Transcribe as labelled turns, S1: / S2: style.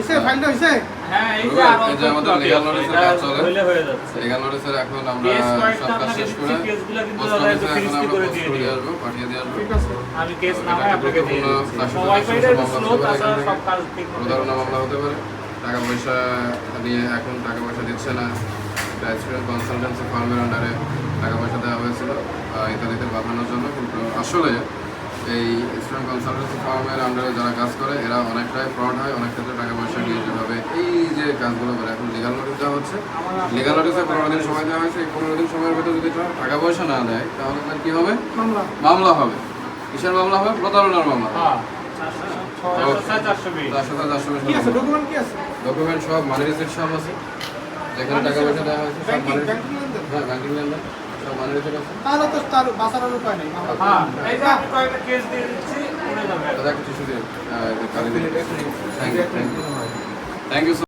S1: ফাইলটা হইছে
S2: হ্যাঁ এই যে
S3: এই যে আমাদের লিগ্যাল নোটিসের কাজ চলে
S2: হয়ে যাচ্ছে
S3: লিগ্যাল নোটিসের এখন আমরা সব কাজ শেষ করে
S2: কেসগুলো কিন্তু
S3: পোস্ট
S2: দাদা
S3: অফিসে
S2: ফিনিশ
S3: এখন আমরা
S2: করে
S3: পোস্ট
S2: দিয়ে
S3: করে
S2: দিই
S3: আসবো পাঠিয়ে দিয়ে আসবো
S1: ঠিক আছে
S2: আমি কেস নামায় আপনাকে দিয়ে দিচ্ছি ওয়াইফাইটা একটু স্লো তাছাড়া সব কাজ ঠিক মতো
S3: প্রতারণা মামলা হতে পারে টাকা পয়সা নিয়ে এখন টাকা পয়সা দিচ্ছে না স্টুডেন্ট কনসালটেন্সি ফার্মের আন্ডারে টাকা পয়সা দেওয়া হয়েছিল ইত্যাদিতে বাঁধানোর জন্য কিন্তু আসলে এই স্টুডেন্ট কনসালটেন্সি ফার্মের আন্ডারে যারা কাজ করে এরা অনেকটাই ফ্রড হয় অনেক ক্ষেত্রে টাকা পয়সা নিয়ে যেভাবে এই যে কাজগুলো করে এখন লিগাল নোটিস দেওয়া হচ্ছে লিগাল নোটিসে 15 দিন সময় দেওয়া হয়েছে এই 15 দিন সময়ের ভিতরে যদি টাকা পয়সা না দেয় তাহলে তার কী হবে
S1: মামলা
S3: মামলা হবে কিসের মামলা হবে প্রতারণার মামলা
S2: হ্যাঁ 400
S1: কি আছে ডকুমেন্ট কি আছে
S3: ডকুমেন্ট সব মানি রিসিপ্ট সব আছে যেখানে টাকা পয়সা দেওয়া হয়েছে সব মানি
S1: ব্যাংকিং লেনদেন
S3: হ্যাঁ ব্যাংকিং লেনদেন সব মানি রিসিপ্ট আছে
S1: তাহলে তো তার বাঁচানোর উপায় নেই মামলা
S2: হ্যাঁ এই যে আমি কয়েকটা কেস দিয়ে দিচ্ছি উড়ে যাবে
S3: দাদা কিছু দিয়ে কালি দিয়ে থ্যাংক ইউ